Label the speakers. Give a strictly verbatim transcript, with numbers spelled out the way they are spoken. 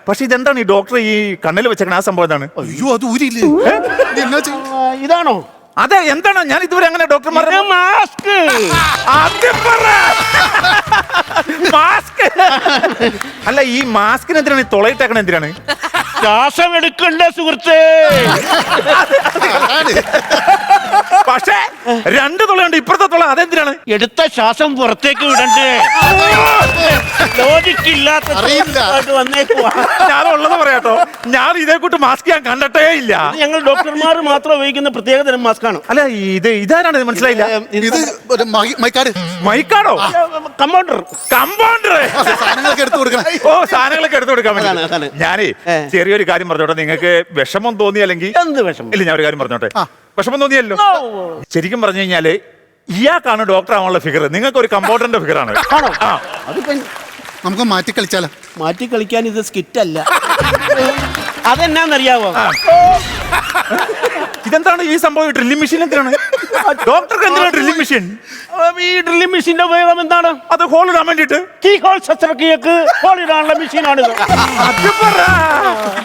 Speaker 1: പക്ഷെ ഇതെന്താണ് ഈ ഡോക്ടർ ഈ കണ്ണിൽ വെച്ചേക്കണ ആ സംഭവം എന്താണ്?
Speaker 2: അയ്യോ അത് ഊരില്ലേ? ഇത് എന്നാ ചെയ്യും?
Speaker 3: ഇതാണോ?
Speaker 1: അതെ, എന്താണ്? ഞാൻ ഇതുവരെ അങ്ങനെ ഡോക്ടർമാർ
Speaker 3: മാസ്ക്.
Speaker 1: മാസ്ക് അല്ല, ഈ മാസ്കിന് എന്തിനാണ് ഈ തുളയിട്ടേക്കണ? എന്തിനാണ്?
Speaker 3: ശ്വാസം എടുക്കണ്ട സുഹൃത്തേ.
Speaker 2: അതാണ്.
Speaker 1: പക്ഷേ രണ്ട് തുളയുണ്ട്, ഇപ്പുറത്തെ തുള അതെന്തിനാണ്?
Speaker 3: എടുത്ത ശ്വാസം പുറത്തേക്ക് വിടണ്ടേ? ലോജിക്കില്ലാത്ത
Speaker 2: അറിയില്ല.
Speaker 3: വന്നേക്കുവാ.
Speaker 1: ഞാനുള്ളത് പറയാട്ടോ, ഞാൻ ഇതേ കൂട്ട് മാസ്ക് ഞാൻ കണ്ടിട്ടേ ഇല്ല.
Speaker 3: ഞങ്ങൾ ഡോക്ടർമാർ മാത്രം ഉപയോഗിക്കുന്ന പ്രത്യേക തരം മാസ്ക് ആണ്.
Speaker 1: അല്ല, ഇത് ഇതാരാണ്? മനസ്സിലായില്ല.
Speaker 2: ഇത് ഒരു മൈ- മൈക്കാട്
Speaker 1: മൈക്കാടോ?
Speaker 3: കമ്പൗണ്ടർ.
Speaker 1: കമ്പൗണ്ടർ.
Speaker 2: സാധനങ്ങളൊക്കെ എടുത്തു കൊടുക്കണം.
Speaker 1: ഓ, സാധനങ്ങളൊക്കെ എടുത്തു കൊടുക്കാൻ
Speaker 3: അതാണ്, അതാണ്.
Speaker 1: വേണ്ടി. ഞാനേ
Speaker 3: ഏ.
Speaker 1: ചെറിയൊരു കാര്യം പറഞ്ഞോട്ടെ. നിങ്ങൾക്ക് വിഷമം തോന്നി അല്ലെങ്കിൽ
Speaker 3: എന്ത് വിഷമം?
Speaker 1: ഇല്ല, ഞാൻ ഒരു കാര്യം പറഞ്ഞോട്ടെ.
Speaker 2: ആ.
Speaker 1: വിഷമം തോന്നിയല്ലോ. ശരിക്കും പറഞ്ഞു കഴിഞ്ഞാല് ഇയാൾക്കാണ് ഡോക്ടർ ആവാനുള്ള ഫിഗർ, നിങ്ങൾക്ക് ഒരു കമ്പൗണ്ടറിന്റെ ഫിഗർ ആണ്.
Speaker 3: ആണോ?
Speaker 1: ആ.
Speaker 3: അതിപ്പോ
Speaker 2: നമുക്ക് മാറ്റി കളിച്ചാലോ?
Speaker 3: മാറ്റി കളിക്കാൻ ഇത് സ്കിറ്റ് അല്ല. അതെന്നാന്നറിയാവോ?
Speaker 1: ആ. ഇതെന്താണ് ഈ സംഭവം? ഡ്രില്ലിംഗ് മെഷീൻ എന്തിനാണ്? ഡോക്ടർക്ക് എന്തിനാണ് ഡ്രില്ലിംഗ് മെഷീൻ?
Speaker 3: ഈ ഡ്രില്ലിംഗ് മെഷീന്റെ ഉപയോഗം എന്താണ്?
Speaker 1: അത് ഹോൾ ഇടാൻ വേണ്ടിട്ട്.
Speaker 3: കീ ഹോൾ ശസ്ത്രക്രിയക്ക് ഹോൾ ഇടാനുള്ള മെഷീനാണിത്.
Speaker 1: അത് പറ.